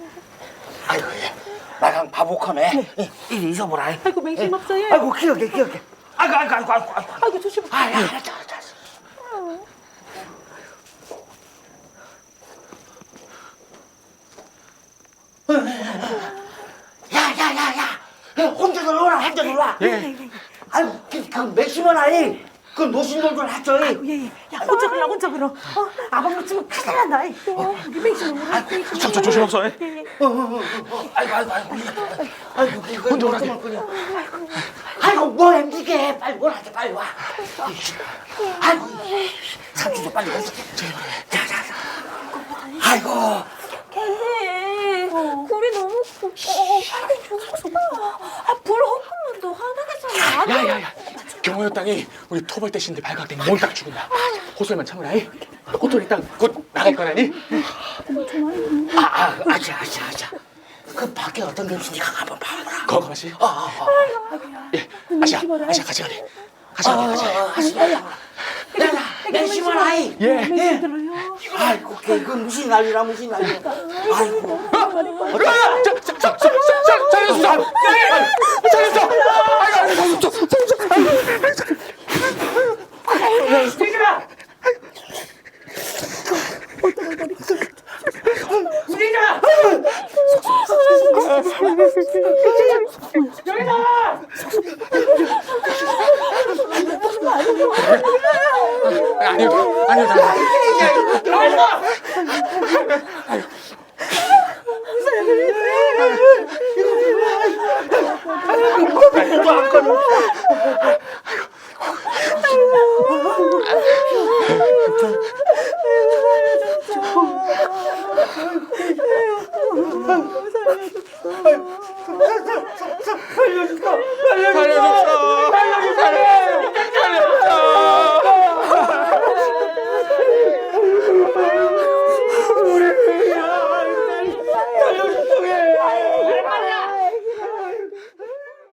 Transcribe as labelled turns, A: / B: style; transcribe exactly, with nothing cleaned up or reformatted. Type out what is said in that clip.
A: 아이고, 예. 나랑 바보컴에 이리 있어보라.
B: 아이고 맹심 없어요.
A: 아이고, 기억해, 기억해. 아이고, 아이고, 아이고, 아이고. 아이고,
B: 아이고 조심.
A: 아, 야, 알았다, 알았다. 야, 야, 야, 야. 혼자 놀라, 혼자 놀라.
C: 예.
A: 아이고, 그, 그, 맥시먼 아이. 그 노신돌들 하죠.
B: 아이고 예예. 야 혼자 그러 혼자 그러. 어 아방 놓치면 큰일 난다. 이. 어 우리 맹심은 우리.
C: 저, 저 조심 없어.
B: 예, 예.
A: 어, 어, 어, 어. 아이고, 아이고, 아이고. 아이고, 이거 혼자 오라게. 아이고, 뭐 엠지게. 빨리 오라게, 빨리 와. 아이고, 삼촌도 빨리 오지. 자, 자, 자. 아이고.
D: 걔 굴이 너무 커. 어, 빨리 죽었어. 아, 불 헛구면도 화나겠잖아.
C: 야야야. 경호여 땅이 우리 토벌 대신데 발각된 몬딱 죽은다. 호소리만 참으라. 이. 호토리 땅곧 나갈 거라니.
A: 아, 아, 아자, 아자, 아자. 그 밖에 어떤 게 있는지 한번 봐보라.
C: 거거 마시.
A: 아, 아, 아.
C: 예. 아시아, 아시아 같이 가리. 같이 가리, 같이 가리.
A: 야, 야, 맥시먼 아이.
C: 예.
A: 예. 아이고, 그 무슨 난리라, 무슨 난리야. 아이고.
C: 자, 자, 자, 자, 자, 살려주소. 살려주소. 아이고, 살려주소.
A: 수진아! 수진아! 여기 나와!
C: 아니요, 아니요, 나.
A: 나와!
C: 살려주소.